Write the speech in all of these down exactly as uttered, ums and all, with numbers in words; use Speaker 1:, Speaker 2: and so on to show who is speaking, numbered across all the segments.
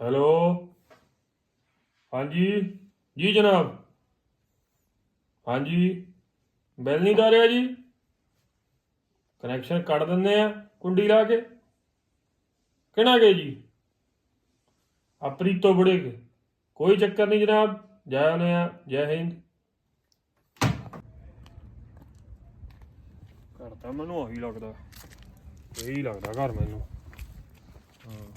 Speaker 1: Hello. हाँ जी जी जनाब। हाँ जी बिल नहीं तारिया जी। कनैक्शन कट दिंदे आ कुंडी ला के। किहड़ा गए जी? अपरीतो बुढ़े के। कोई चक्कर नहीं जनाब। जय आने जय हिंद। घर तो मैनू ਉਹੀ लगता यही लगता घर मैनू। हाँ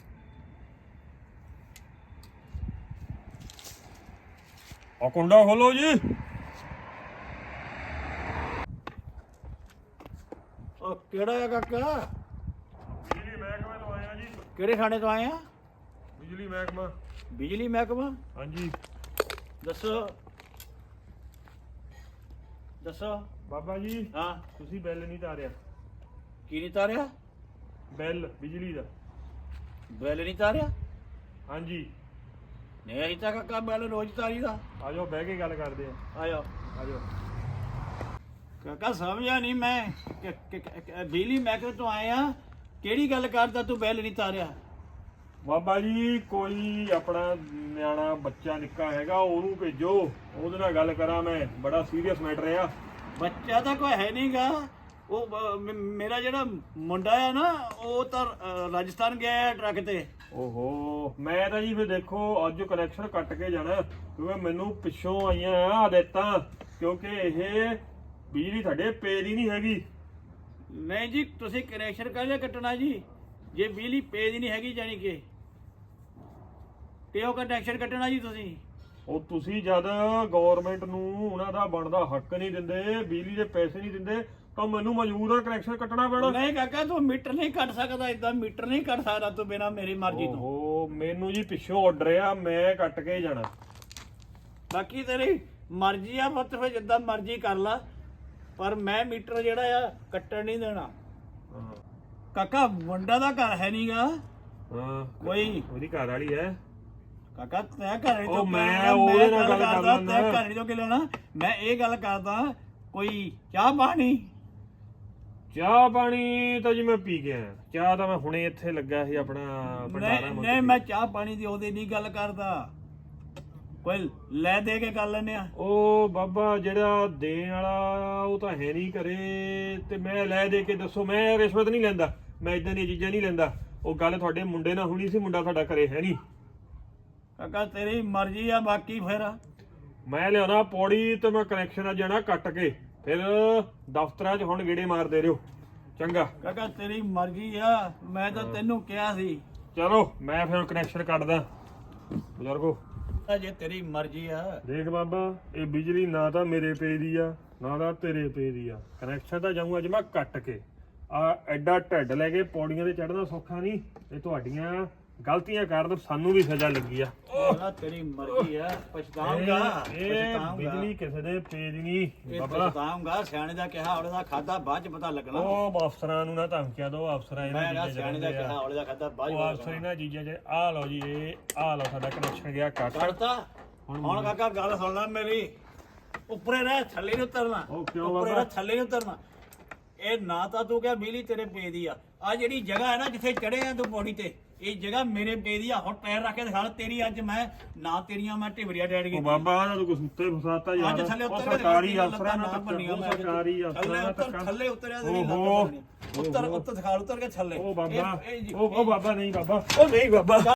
Speaker 1: आ कुंडा खोलो जी।
Speaker 2: ਉਹ ਕਿਹੜਾ ਹੈ ਕਾਕਾ?
Speaker 1: बिजली महकमे तो आया जी।
Speaker 2: ਕਿਹੜੇ ਥਾਣੇ ਤੋਂ ਆਏ ਆ?
Speaker 1: बिजली महकमा।
Speaker 2: ਬਿਜਲੀ ਮਹਿਕਮਾ।
Speaker 1: हाँ जी
Speaker 2: ਦੱਸੋ ਦੱਸੋ।
Speaker 1: बाबा जी
Speaker 2: ਹਾਂ
Speaker 1: ਤੁਸੀਂ ਬਿੱਲ ਨਹੀਂ ਤਾਰਿਆ।
Speaker 2: ਕੀ ਨਹੀਂ ਤਾਰਿਆ?
Speaker 1: ਬਿੱਲ ਬਿਜਲੀ ਦਾ।
Speaker 2: ਬਿੱਲ ਨਹੀਂ ਤਾਰਿਆ?
Speaker 1: ਹਾਂਜੀ
Speaker 2: ਨਹੀਂ ਅਸੀਂ ਤਾਂ ਕਾਕਾ ਬਿੱਲ ਰੋਜ਼ ਤਾਰੀ ਦਾ।
Speaker 1: ਆ ਜਾਓ ਬਹਿ ਕੇ ਗੱਲ ਕਰਦੇ ਆ।
Speaker 2: ਆਇਓ
Speaker 1: ਆ ਜਾਓ।
Speaker 2: ਕਾਕਾ ਸਮਝਿਆ ਨਹੀਂ ਮੈਂ ਕਿ- ਕਿ- ਕਿ- ਬਿਜਲੀ ਮਹਿਕਮੇ ਤੋਂ ਆਏ ਆ। ਕਿਹੜੀ ਗੱਲ ਕਰਦਾ ਤੂੰ ਬਿੱਲ ਨਹੀਂ ਤਾਰਿਆ?
Speaker 1: ਬਾਬਾ ਜੀ ਕੋਈ ਆਪਣਾ ਨਿਆਣਾ ਬੱਚਾ ਨਿੱਕਾ ਹੈਗਾ ਉਹਨੂੰ ਭੇਜੋ ਉਹਦੇ ਨਾਲ ਗੱਲ ਕਰਾਂ ਮੈਂ। ਬੜਾ ਸੀਰੀਅਸ ਮੈਟਰ ਆ।
Speaker 2: ਬੱਚਾ ਤਾਂ ਕੋਈ ਹੈ ਨਹੀਂਗਾ। ਉਹ ਬ- ਮ- ਮੇਰਾ ਜਿਹੜਾ ਮੁੰਡਾ ਆ ਨਾ ਉਹ ਤਾਂ ਅ, ਰਾਜਸਥਾਨ ਗਿਆ ਹੈ ਟਰੱਕ ਤੇ।
Speaker 1: ਓਹੋ ਮੈਂ ਤਾਂ ਜੀ ਫਿਰ ਦੇਖੋ ਅੱਜ ਕਨੈਕਸ਼ਨ ਕੱਟ ਕੇ ਜਾਣਾ ਕਿਉਂਕਿ ਮੈਨੂੰ ਪਿੱਛੋਂ ਆਈਆਂ ਆ ਆਦਤਾਂ ਕਿਉਂਕਿ ਇਹ ਬਿਜਲੀ ਸਾਡੇ ਪੇ ਦੀ ਨਹੀਂ ਹੈਗੀ।
Speaker 2: ਨਹੀਂ ਜੀ ਤੁਸੀਂ ਕਨੈਕਸ਼ਨ ਕਾਹਦਾ ਕੱਟਣਾ ਜੀ ਜੇ ਬਿਜਲੀ ਪੇ ਦੀ ਨਹੀਂ ਹੈਗੀ ਜਾਣੀ ਕਿ ਤੇ ਉਹ ਕਨੈਕਸ਼ਨ ਕੱਟਣਾ ਜੀ ਤੁਸੀਂ।
Speaker 1: ਉਹ ਤੁਸੀਂ ਜਦ ਗਵਰਨਮੈਂਟ ਨੂੰ ਉਹਨਾਂ ਦਾ ਬਣਦਾ ਹੱਕ ਨਹੀਂ ਦਿੰਦੇ ਬਿਜਲੀ ਦੇ ਪੈਸੇ ਨਹੀਂ ਦਿੰਦੇ ਤਾਂ ਮੈਨੂੰ ਮਜਬੂਰ ਆ ਕਨੈਕਸ਼ਨ ਕੱਟਣਾ ਪੈਣਾ।
Speaker 2: ਨਹੀਂ ਕਾਕਾ ਤੂੰ ਮੀਟਰ ਨਹੀਂ ਕੱਟ ਸਕਦਾ ਇਦਾਂ ਮੀਟਰ ਨਹੀਂ ਕੱਟ ਸਕਦਾ ਤੂੰ ਬਿਨਾਂ ਮੇਰੀ ਮਰਜ਼ੀ ਤੋਂ।
Speaker 1: ਓਹੋ ਮੈਨੂੰ ਜੀ ਪਿੱਛੋਂ ਆਰਡਰ ਆ ਮੈਂ ਕੱਟ ਕੇ ਹੀ ਜਾਣਾ।
Speaker 2: ਬਾਕੀ ਤੇਰੀ ਮਰਜ਼ੀ ਆ ਪੁੱਤ ਫਿਰ ਜਿੱਦਾਂ ਮਰਜ਼ੀ ਕਰ ਲਾ ਪਰ ਮੈਂ ਮੀਟਰ ਜਿਹੜਾ ਆ ਕੱਟਣ ਨਹੀਂ ਦੇਣਾ।
Speaker 1: ਹਾਂ
Speaker 2: ਕਾਕਾ ਮੁੰਡਾ ਦਾ ਘਰ ਹੈ ਨਹੀਂਗਾ
Speaker 1: ਹਾਂ
Speaker 2: ਕੋਈ।
Speaker 1: ਉਹਦੀ ਘਰ ਵਾਲੀ ਹੈ।
Speaker 2: ਕਾਕਾ ਤੈਂ ਘਰੇ
Speaker 1: ਉਹ
Speaker 2: ਤੋਂ
Speaker 1: ਮੈਂ ਉਹਦੇ ਨਾਲ ਗੱਲ ਕਰ
Speaker 2: ਕਰਦਾ
Speaker 1: ਲੈਂਦਾ।
Speaker 2: ਤੈਂ ਘਰੇ ਤੋਂ ਕਿ ਲੈਣਾ। ਮੈਂ ਇਹ ਗੱਲ ਕਰਦਾ ਕੋਈ ਚਾਹ ਪਾਣੀ।
Speaker 1: ਚਾਹ ਪਾਣੀ ਤਾਂ ਜੀ ਮੈਂ ਪੀ ਕੇ ਆਇਆ। ਚਾਹ ਤਾਂ ਮੈਂ ਹੁਣੇ ਇੱਥੇ ਲੱਗਾ ਸੀ ਆਪਣਾ ਭੰਡਾਰਾ
Speaker 2: ਨਹੀਂ
Speaker 1: ਮੰਗ
Speaker 2: ਨਹੀਂ ਮੈਂ ਚਾਹ ਪਾਣੀ ਦੀ ਉਹਦੇ ਨਹੀਂ ਗੱਲ ਕਰਦਾ ਕੋਈ ਲੈ ਦੇ ਕੇ ਕਰ ਲੈਨੇ ਆ।
Speaker 1: ਉਹ ਬਾਬਾ ਜਿਹੜਾ ਦੇਣ ਵਾਲਾ ਉਹ ਤਾਂ ਹੈ ਨਹੀਂ ਘਰੇ ਤੇ ਮੈਂ ਲੈ ਦੇ ਕੇ ਦੱਸੋ। ਮੈਂ ਰਿਸ਼ਵਤ ਨਹੀਂ ਲੈਂਦਾ ਮੈਂ ਇਦਾਂ ਦੀਆਂ ਚੀਜ਼ਾਂ ਨਹੀਂ ਲੈਂਦਾ। ਉਹ ਗੱਲ ਤੁਹਾਡੇ ਮੁੰਡੇ ਨਾਲ ਹੋਣੀ ਸੀ ਮੁੰਡਾ ਤੁਹਾਡਾ ਘਰੇ ਹੈ ਨਹੀਂ।
Speaker 2: ਕਾਕਾ ਤੇਰੀ ਮਰਜ਼ੀ ਆ ਬਾਕੀ ਫਿਰ
Speaker 1: ਮੈਂ ਲਿਆਉਣਾ ਪੌੜੀ ਤੇ ਮੈਂ ਕਨੈਕਸ਼ਨ ਆ ਜਾਣਾ ਕੱਟ ਕੇ ਫਿਰ ਦਫ਼ਤਰਾਂ 'ਚ ਹੁਣ ਗੇੜੇ ਮਾਰਦੇ ਰਹੋ ਚੰਗਾ।
Speaker 2: ਕਾਕਾ ਤੇਰੀ ਮਰਜ਼ੀ ਆ ਮੈਂ ਤਾਂ ਤੈਨੂੰ ਕਿਹਾ ਸੀ।
Speaker 1: ਚਲੋ ਮੈਂ ਫਿਰ ਕਨੈਕਸ਼ਨ ਕੱਟਦਾ ਬਜ਼ੁਰਗੋ।
Speaker 2: ਜੇ ਤੇਰੀ ਮਰਜ਼ੀ ਆ
Speaker 1: ਦੇਖ ਬਾਬਾ ਇਹ ਬਿਜਲੀ ਨਾ ਤਾਂ ਮੇਰੇ ਪੇ ਦੀ ਆ ਨਾ ਤਾਂ ਤੇਰੇ ਪੇ ਦੀ ਆ। ਕਨੈਕਸ਼ਨ ਤਾਂ ਜਾਊਂ ਅੱਜ ਮੈਂ ਕੱਟ ਕੇ। ਆ ਐਡਾ ਢਿੱਡ ਲੈ ਕੇ ਪੌੜੀਆਂ ਤੇ ਚੜ੍ਹਨਾ ਸੌਖਾ ਨਹੀਂ। ਇਹ ਤੁਹਾਡੀਆਂ ਗਲਤੀਆਂ ਕਾਰਨ ਸਾਨੂੰ ਵੀ ਸਜ਼ਾ ਲੱਗੀ ਆ।
Speaker 2: ਕਾਕਾ ਤੇਰੀ ਮਰਜ਼ੀ ਆ ਪਛਤਾਉਂਗਾ
Speaker 1: ਇਹ
Speaker 2: ਪਛਤਾਉਂਗਾ
Speaker 1: ਬਿਜਲੀ ਕਿਸੇ ਦੇ ਪੇ ਦੀ ਨਹੀਂ
Speaker 2: ਇਹ
Speaker 1: ਬਾਬਾ।
Speaker 2: ਪਛਤਾਉਂਗਾ ਸਿਆਣੇ ਦਾ ਕਿਹਾ ਔਲੇ ਦਾ ਖਾਦਾ ਬਾਅਦ ਚ ਪਤਾ ਲੱਗਣਾ।
Speaker 1: ਉਹ ਅਫਸਰਾਂ ਨੂੰ ਨਾ ਧਮਕੀਆਂ ਦਿਓ। ਅਫਸਰਾਂ ਇਹਨਾਂ
Speaker 2: ਮੈਂ ਨਾ
Speaker 1: ਚੀਜ਼ਾਂ 'ਚ
Speaker 2: ਸਿਆਣੇ ਦਾ
Speaker 1: ਰਹਿੰਦੇ
Speaker 2: ਕਿਹਾ
Speaker 1: ਆ।
Speaker 2: ਔਲੇ ਦਾ ਖਾਦਾ ਬਾਅਦ
Speaker 1: ਉਹ ਅਫਸਰ ਇਹਨਾਂ ਚੀਜ਼ਾਂ 'ਚ ਆਹ ਲਓ ਜੀ ਇਹ ਆਹ ਲਓ ਸਾਡਾ ਕਨੈਕਸ਼ਨ ਗਿਆ ਕੱਟ।
Speaker 2: ਕਰਤਾ। ਹੁਣ ਕਾਕਾ ਗੱਲ ਸੁਣ ਲੈ ਮੇਰੀ ਉੱਪਰੇ ਰਹਿ ਥੱਲੇ ਨੂੰ ਉਤਰਨਾ।
Speaker 1: ਉਹ ਕਿਉਂ
Speaker 2: ਉੱਪਰੇ
Speaker 1: ਬਾਬਾ?
Speaker 2: ਰਹਿ ਥੱਲੇ ਨੂੰ ਉਤਰਨਾ। ਇਹ ਨਾ ਤਾਂ ਤੂੰ ਕਿਹਾ ਬਿਜਲੀ ਤੇਰੇ ਪੇ ਦੀ ਆ। ਆ ਜਿਹੜੀ ਜਗ੍ਹਾ ਹੈ ਨਾ ਜਿੱਥੇ ਚੜੇ ਆ ਤੂੰ ਪੌੜੀ ਤੇ ਇਹ ਜਗ੍ਹਾ ਮੇਰੇ ਪੇ ਦੀ ਆ। ਹੁਣ ਪੈਰ ਰੱਖ ਕੇ ਦਿਖਾ ਤੇਰੀ ਅੱਜ ਮੈਂ ਨਾ ਤੇਰੀਆਂ ਮੈਂ ਢਿਵਰੀਆਂ ਡੈਡ ਗਈ।
Speaker 1: ਉਹ ਬਾਬਾ ਦਾ ਤੂੰ ਕੁੱਤੇ ਫਸਾਤਾ ਯਾਰ।
Speaker 2: ਅੱਜ ਥੱਲੇ
Speaker 1: ਉਹ
Speaker 2: ਉਤਰ
Speaker 1: ਸਰਕਾਰੀ ਅਫਸਰਾਂ ਨਾਲ ਧੱਕਾ। ਉਹ ਸਰਕਾਰੀ ਅਫਸਰਾਂ ਨਾਲ
Speaker 2: ਉੱਤਰ
Speaker 1: ਧੱਕਾ।
Speaker 2: ਥੱਲੇ ਉਤਰਿਆ ਤੇਰੀ ਲੱਤ
Speaker 1: ਓਹੋ
Speaker 2: ਉੱਤਰ ਉੱਤਰ ਦਿਖਾ ਉਤਰ ਕੇ ਥੱਲੇ।
Speaker 1: ਉਹ ਬਾਬਾ
Speaker 2: ਇਹ- ਇਹ-
Speaker 1: ਉਹ ਉਹ ਬਾਬਾ ਨਹੀਂ ਬਾਬਾ।
Speaker 2: ਉਹ ਨਹੀਂ ਬਾਬਾ।